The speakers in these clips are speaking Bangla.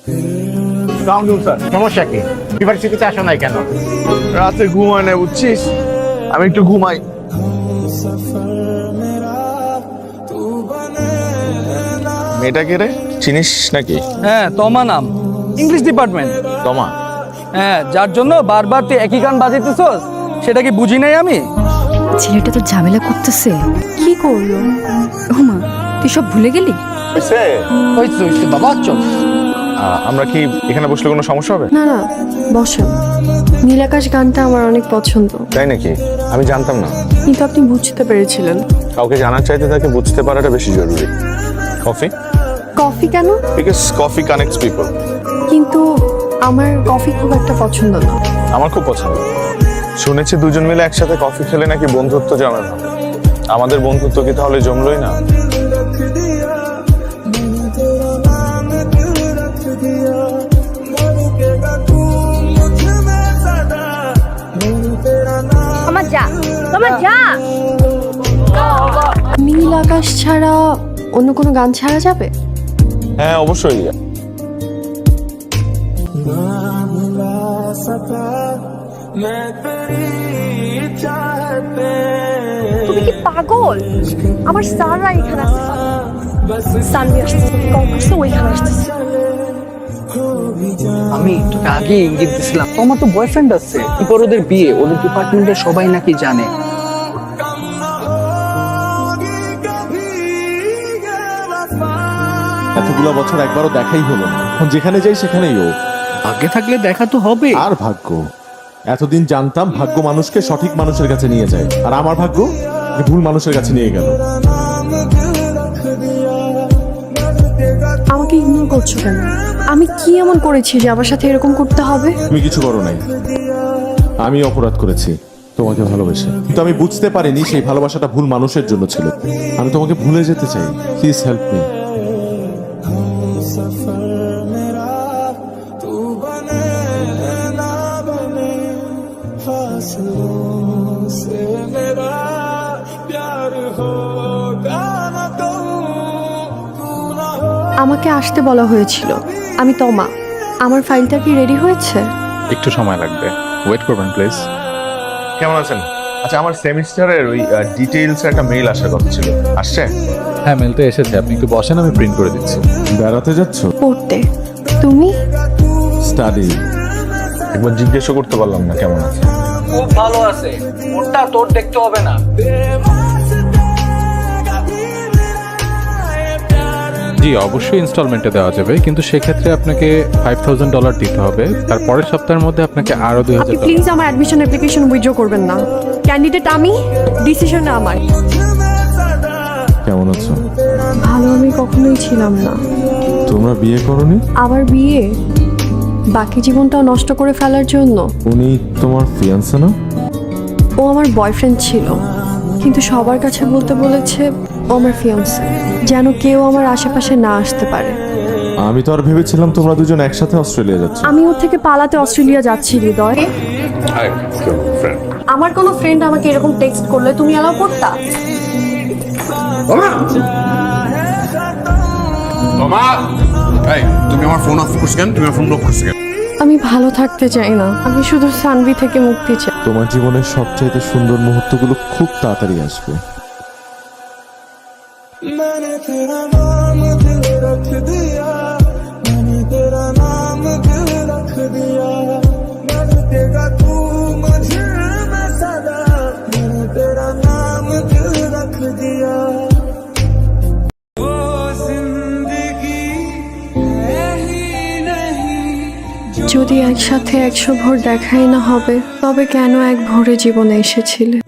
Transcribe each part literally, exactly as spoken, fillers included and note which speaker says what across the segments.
Speaker 1: সমস্যা কি? ইউনিভার্সিটিতে আসো নাই কেন?
Speaker 2: রাতে ঘুমায় না বুঝছিস, আমি একটু ঘুমাই। মেয়েটা কে রে, চিনিস নাকি?
Speaker 3: হ্যাঁ, তমা নাম, ইংলিশ ডিপার্টমেন্ট।
Speaker 2: তমা?
Speaker 3: হ্যাঁ, যার জন্য বারবার তুই একই গান বাজাইতেছস সেটা কি বুঝি নাই আমি?
Speaker 4: ছেলেটা তো ঝামেলা করতেছে, কি করলো? ওমা, তুই সব ভুলে গেলি?
Speaker 2: হইছে
Speaker 3: হইছে হইছে বাবা, চল।
Speaker 2: আমরা কি এখানে বসলে কোনো সমস্যা হবে?
Speaker 5: না না, বসেন। নীলাকাশ গানটা আমার অনেক পছন্দ।
Speaker 2: তাই নাকি? আমি জানতাম না।
Speaker 5: কিন্তু আপনি বুঝতে পেরেছিলেন।
Speaker 2: কাউকে জানার চাইতে তাকে বুঝতে পারাটা বেশি জরুরি। কফি?
Speaker 5: কফি কেন?
Speaker 2: Because coffee connects people.
Speaker 5: কিন্তু আমার কফি খুব একটা পছন্দ না।
Speaker 2: আমার খুব পছন্দ। শুনেছি দুজন মিলে একসাথে কফি খেলে নাকি বন্ধুত্ব জমে না। আমাদের বন্ধুত্ব কি তাহলে জমলই না?
Speaker 4: আমার যা, তোমার যা।
Speaker 5: নীল আকাশ ছাড়া অন্য কোনো গান ছাড়া যাবে?
Speaker 2: হ্যাঁ অবশ্যই।
Speaker 5: তুমি কি পাগল? আমার স্যাররা এখানে আসছে, সানভি আসছে, কল করছে, ওইখানে আসছে।
Speaker 3: আমি তোকে আগে ইঙ্গিত দিছিলাম, তোমার তো বয়ফ্রেন্ড আছে, এরপর ওদের বিয়ে, ওদের ডিপার্টমেন্টের সবাই নাকি জানে।
Speaker 6: এতগুলো বছর একবারও দেখাই হলো না, এখন যেখানে যাই সেখানেই ও।
Speaker 3: ভাগ্যে থাকলে দেখা তো হবে।
Speaker 6: আর ভাগ্য, এতদিন জানতাম ভাগ্য মানুষকে সঠিক মানুষের কাছে নিয়ে যায়, আর আমার ভাগ্য যে ভুল মানুষের কাছে নিয়ে গেল।
Speaker 5: আমাকে ইগনোর করছো কেন? আমি কি এমন করেছি যে আমার সাথে এরকম করতে হবে?
Speaker 6: তুমি কিছু করো নাই, আমি অপরাধ করেছি তোমাকে ভালোবেসে, কিন্তু আমি বুঝতে পারিনি সেই ভালোবাসাটা ভুল মানুষের জন্য ছিল। আমি তোমাকে ভুলে যেতে চাই, প্লিজ হেল্প মি।
Speaker 5: আমাকে আসতে বলা হয়েছিল। আমি তমা। আমার ফাইলটা কি রেডি হয়েছে?
Speaker 7: একটু সময় লাগবে, ওয়েট করবেন প্লিজ।
Speaker 2: কেমন আছেন? আচ্ছা, আমার সেমিস্টারের ওই ডিটেইলস একটা মেইল আসার কথা ছিল, আসছে?
Speaker 7: হ্যাঁ, মেলটা এসেছে, আপনি একটু বসেন, আমি প্রিন্ট করে দিচ্ছি।
Speaker 6: বেড়াতে যাচ্ছ?
Speaker 5: পড়তে। তুমি?
Speaker 6: স্টাডি।
Speaker 2: একবার জিজ্ঞেসও করতে পারলাম না কেমন আছে।
Speaker 3: খুব ভালো আছে, ওটা তোর দেখতে হবে না।
Speaker 7: জি অবশ্যই ইনস্টলমেন্টে দেওয়া যাবে, কিন্তু সেক্ষেত্রে আপনাকে ফাইভ থাউজেন্ড ডলার দিতে হবে। তার পরের সপ্তাহের মধ্যে আপনাকে আরো দুই
Speaker 5: আপনি
Speaker 7: হাজার
Speaker 5: প্লিজ আমার অ্যাডমিশন অ্যাপ্লিকেশন উইথড্র করবেন না। ক্যান্ডিডেট আমি, ডিসিশন আমার।
Speaker 6: কেমন আছো?
Speaker 5: ভালো আমি কখনোই ছিলাম না।
Speaker 6: তোমরা বিয়ে করনি?
Speaker 5: আবার বিয়ে? বাকি জীবনটাও নষ্ট করে ফেলার জন্য?
Speaker 6: উনি তোমার ফিয়ান্সে না?
Speaker 5: ও আমার বয়ফ্রেন্ড ছিল, কিন্তু সবার কাছে বলতে বলেছে ও আমার ফিয়ান্সে, যেন কেউ আমার আশেপাশে না আসতে পারে।
Speaker 6: আমি তো আর ভেবেছিলাম তোমরা দুজন একসাথে অস্ট্রেলিয়া যাচ্ছ।
Speaker 5: আমি ওর থেকে পালাতে অস্ট্রেলিয়া যাচ্ছি হৃদয়। আমার কোনো ফ্রেন্ড আমাকে এরকম টেক্সট করলে তুমি অ্যালাউ করতা?
Speaker 8: তুমি আমার ফোন অফ করছো কেন? তুমি আমার ফোন লক করছো কেন?
Speaker 5: আমি ভালো থাকতে চাই না, আমি শুধু সানভি থেকে মুক্তি চাই।
Speaker 6: তোমার জীবনের সবচাইতে সুন্দর মুহূর্তগুলো খুব তাড়াতাড়ি আসবে।
Speaker 5: যদি একসাথে একশো ভোর দেখাই না হবে, তবে কেন এক ভোরে জীবনে এসেছিলে?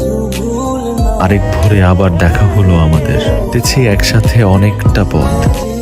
Speaker 9: আরেক ভোরে আবার দেখা হলো আমাদের, দেখছি একসাথে অনেকটা পথ।